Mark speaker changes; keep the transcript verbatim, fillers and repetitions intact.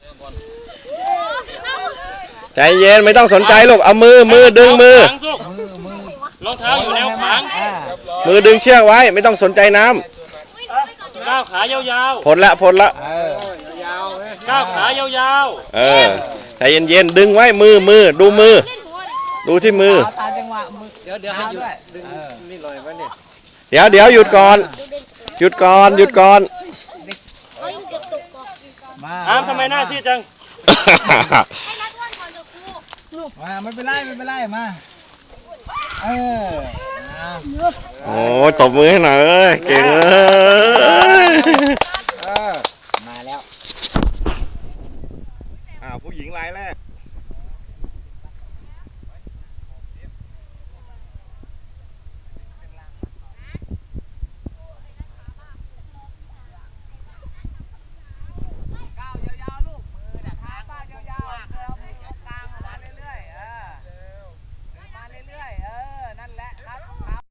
Speaker 1: ใจเย็นไม่ต้องสนใจลูกเอามือมือดึงมือ
Speaker 2: รองเท้าอยู่แนวขวาง
Speaker 1: มือดึงเชือกไว้ไม่ต้องสนใจน้
Speaker 2: ำก้าวขายาว
Speaker 1: ๆพ้นละพ้นละ
Speaker 2: ก้าวขายาว
Speaker 1: ๆเออใจเย็นๆดึงไว้มือมือดูมือดูที่มือ
Speaker 3: ตามจังหวะมือ
Speaker 2: เดี๋ยวเดี๋ยวให้หยุดดึงนี่หน่อยวะเนี่ย
Speaker 1: เดี๋ยวเดี๋ยวหยุดก่อนหยุดก่อนหยุดก่อน
Speaker 2: อ้ามทำไมหน้าซีดจัง
Speaker 3: มาไม่เป็นไรไม่เป็นไรมาเออ
Speaker 1: โอ้ตบมือให้หน่อยเอ้ยเก่งเลย
Speaker 3: มาแล้ว
Speaker 1: อ้าวผู้หญิงรายแรก